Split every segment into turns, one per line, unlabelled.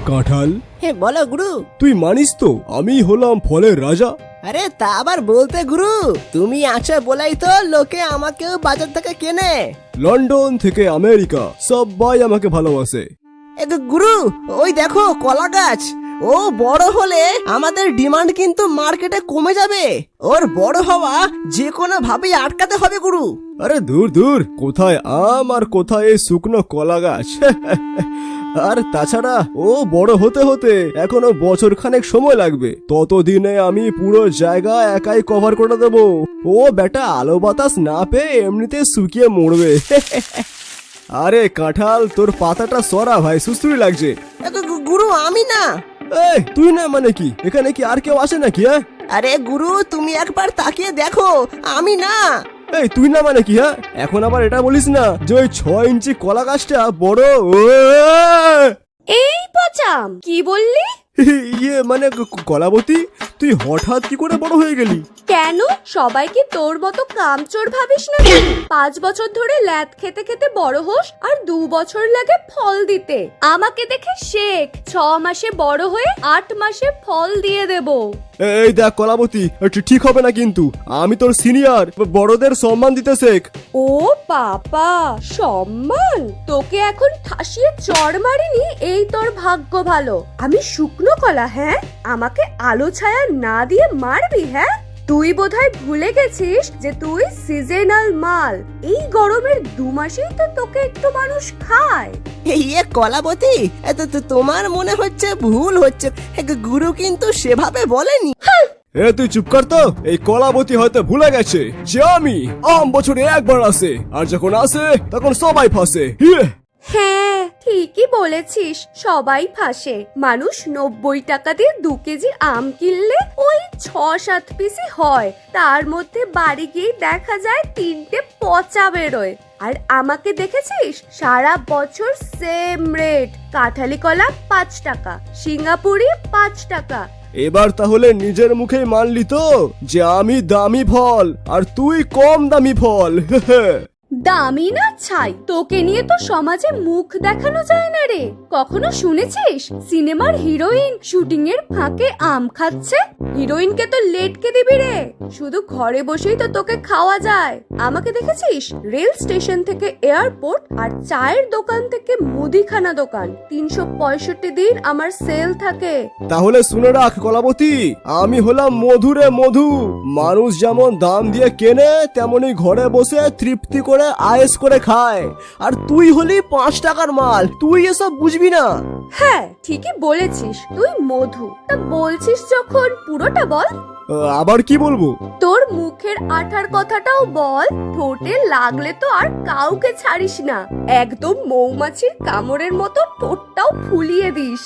কাঁঠাল,
হ্যাঁ বলো গুরু।
তুই মানিস তো আমি হলাম ফলের রাজা?
আরে তা আবার বলতে গুরু, তুমি আছো বলেই তো লোকে আমাকেও বাজার থেকে কেনে।
লন্ডন থেকে আমেরিকা সবাই আমাকে ভালোবাসে।
গুরু ওই দেখো কলা গাছ, ও বড় হলে আমাদের ডিমান্ড কিন্তু মার্কেটে কমে যাবে। ওর বড় হওয়া যে কোনো ভাবেই আটকাতে হবে গুরু।
আরে দূর দূর, কোথায় আম আর কোথায় এই শুকনো কলা গাছ। আর তাছাড়া ও বড় হতে হতে এখনো বছর খানেক সময় লাগবে। ততদিনে আমি পুরো জায়গা একাই কভার করে দেব। ও বেটা আলো বাতাস না পেয়ে এমনিতে শুকিয়ে মরবে। আরে কাঁঠাল, তোর পাতাটা সরা ভাই, সুস্থুরি লাগছে।
গুরু আমি না।
এই তুই না মানে কি? এখানে কি আর কেউ আসে নাকি? হ্যাঁ
আরে গুরু তুমি একবার তাকিয়ে দেখো, আমি না।
এই তুই না মানে কি? হ্যাঁ এখন আবার এটা বলিস না যে ওই 6 ইঞ্চি কলা গাছটা বড়।
এই পচাম, কি বললি?
ইয়ে মানে কলাবতী, তুই হঠাৎ কি করে বড় হয়ে গেলি?
কেন সবাই কি তোর মতো কামচোর ভাবিস না? 5 বছর ধরে ল্যাদ খেতে খেতে বড় হোস আর 2 বছর লাগে ফল দিতে। আমাকে দেখে শেখ, 6 মাসে বড় হয়ে 8 মাসে ফল দিয়ে দেব।
এই দেখ কলাবতী, ঠিক হবে না কিন্তু। আমি তোর সিনিয়র, বড়দের সম্মান দিতে শেখ।
ও বাবা, সম্মান? তোকে এখন ঠাসিয়ে চড় মারিনি এই তোর ভাগ্য ভালো। আমি শুকনো কলা, হ্যাঁ? আমাকে আলো ছায়া না দিয়ে মারবি? হ্যাঁ, তুই বোধহয় ভুলে গেছিস যে তুই সিজনাল মাল। এই গরমের 2 মাসেই তো তোকে একটু মানুষ খায়।
ইয়ে কলাবতী, তোমার মনে হচ্ছে ভুল হচ্ছে। গুরু কিন্তু সেভাবে বলেনি।
এ তুই চুপ কর তো। এই কলাবতী হয়তো ভুলে গেছে যে আমি আম বছরে একবার আসে, আর যখন আসে তখন সবাই ফাঁসে।
হ্যাঁ ঠিকই বলেছিস, সবাই ফাঁসে। মানুষ 90 টাকা দিয়ে 2 কেজি আম কিনলে ওই 6-7 পিসই হয়। তার মধ্যে বাড়ি গিয়ে দেখা যায় 3টে পচা বেরোয়। আর আমাকে দেখেছিস সারা বছর সেম রেট। কাঁঠালি কলা 5 টাকা, সিঙ্গাপুরি 5 টাকা।
এবার তাহলে নিজের মুখেই মানলি তো যে আমি দামি ফল আর তুই কম দামি ফল।
দামি না ছাই, তোকে নিয়ে তো সমাজে মুখ দেখানো যায় না রে। কখনো শুনেছিস সিনেমার হিরোইন শুটিং এর ফাঁকে আম খাচ্ছে? হিরোইনকে তো লেটকে দিবি রে, শুধু ঘরে বসেই তো তোকে খাওয়া যায়। আমাকে দেখেছিস রেল স্টেশন থেকে এয়ারপোর্ট আর চায়ের দোকান থেকে মুদিখানা দোকান, 365 দিন আমার সেল থাকে।
তাহলে শুনে রাখ কলাবতী, আমি হলাম মধুরে মধু। মানুষ যেমন দাম দিয়ে কেনে, তেমনি ঘরে বসে তৃপ্তি করে আয়েস করে খায়। আর তুই হলি 5 টাকার মাল, তুই এসব বুঝবি না।
হ্যাঁ ঠিকই বলেছিস, তুই মধু। তা বলছিস যখন পুরোটা বল।
আবার কি বলবো?
তোর মুখের আঠার কথাটাও বল। ঠোঁটে লাগলে তো আর কাউকে ছাড়িস না, একদম মৌমাছির কামড়ের মতো ঠোঁটটাও ফুলিয়ে দিস।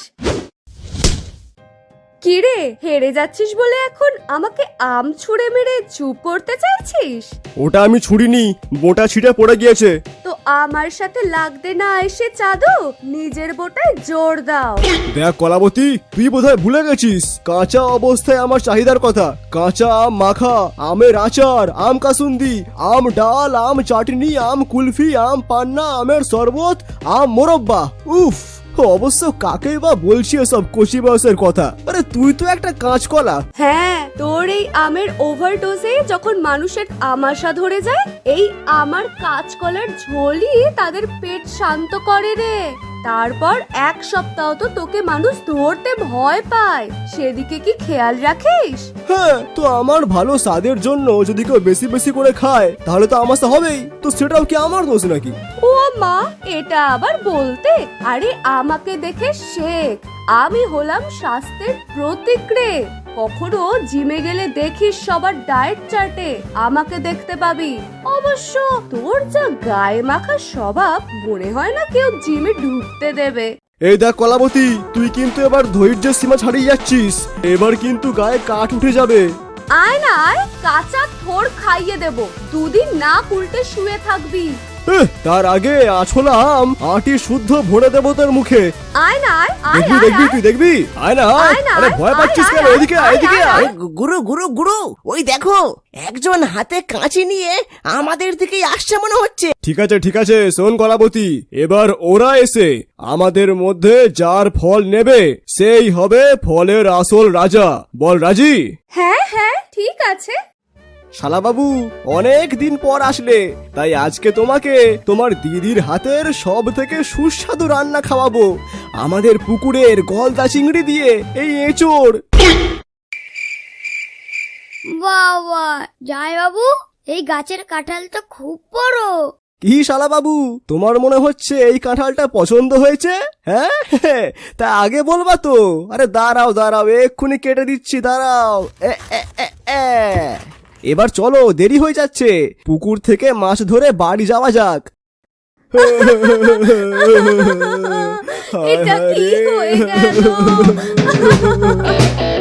কিরে, হেরে যাচ্ছিস বলে এখন আমাকে আম ছুঁড়ে মেরে চুপ করতে চাইছিস?
ওটা আমি ছুড়িনি, বোটা ছিটে পড়ে গিয়েছে।
তো আমার সাথে লাগতে না এসে চাঁদো নিজের বোটায় জোর দাও।
দেখ কলাবতী, তুই বোধহয় ভুলে গেছিস কাঁচা অবস্থায় আমার চাহিদার কথা। কাঁচা আম মাখা, আমের আচার, আম কাসুন্দি, আম ডাল, আম চাটনি, আম কুলফি, আম পান্না, আমের শরবত, আম মোরব্বা। উফ, অবশ্য কাকেই বা বলছি এসব কচি বয়সের কথা। আরে তুই তো একটা কাঁচকলা।
হ্যাঁ, তোর এই আমের ওভারডোজে যখন মানুষের আমাশা ধরে যায়, এই আমার কাঁচকলার ঝোলই তাদের পেট শান্ত করে রে। তারপর 1 সপ্তাহ তো তোকে মানুষ ধরতে ভয় পায়, সেদিকে কি খেয়াল রাখিস?
হ্যাঁ, তো আমার ভালো স্বাদের জন্য যদি কেউ বেশি বেশি করে খায় তাহলে তো আমাশা হবেই। তো সেটাও কি আমার দোষ নাকি?
ও মা, এটা আবার বলতে? আরে আমাকে দেখে শেখ, আমি হলাম স্বাস্থ্যের প্রতীক রে। কখনো জিমে গেলে দেখিস সবার ডায়েট চার্টে আমাকে দেখতে পাবি। অবশ্য তোর যা গায়ে মাখা স্বভাব, মনে হয় না কেউ জিমে ঢুকতে দেবে।
এই দেখ কলাবতী, তুই কিন্তু এবার ধৈর্যের সীমা ছাড়িয়ে যাচ্ছিস। এবার কিন্তু গায়ে কাঠ উঠে যাবে।
আয় না আয়, কাঁচা থোড় খাইয়ে দেব। 2 দিন না উল্টে শুয়ে থাকবি।
তার আগে আছলা আম আটি শুদ্ধ ভরে দেবো তোর মুখে।
আয় না আয়, আয়
দেখবি
আয়,
দেখবি
আয়।
তুই দেখবি, আয় না আয়।
আয় না,
আরে
আয়,
ভয় পাচ্ছিস
আয়,
কেন?
আয়,
এদিকে
আয়,
এদিকে
আয়,
আয়।
গুরু গুরু গুরু ওই দেখো একজন হাতে কাঁচি নিয়ে আমাদের দিকেই আসছে মনে হচ্ছে।
ঠিক আছে শোন কলাবতী, এবার ওরা এসে আমাদের মধ্যে যার ফল নেবে সেই হবে ফলের আসল রাজা। বল রাজি?
হ্যাঁ হ্যাঁ ঠিক আছে।
শালাবাবু অনেক দিন পর আসলে, তাই আজকে তোমাকে তোমার দিদির হাতের সব থেকে সুস্বাদু রান্না খাওয়াবো, আমাদের পুকুরের গলদা চিংড়ি দিয়ে এই এঁচোড়।
বাবা জয় বাবু, এই গাছের কাঁঠাল তো খুব বড়।
কি শালাবাবু, তোমার মনে হচ্ছে এই কাঁঠালটা পছন্দ হয়েছে? হ্যাঁ তা আগে বলবা তো। আরে দাঁড়াও দাঁড়াও, এক্ষুনি কেটে দিচ্ছি, দাঁড়াও। এবার চলো, দেরি হয়ে যাচ্ছে, পুকুর থেকে মাছ ধরে বাড়ি যাওয়া যাক।
এটা কি হয়ে গেল?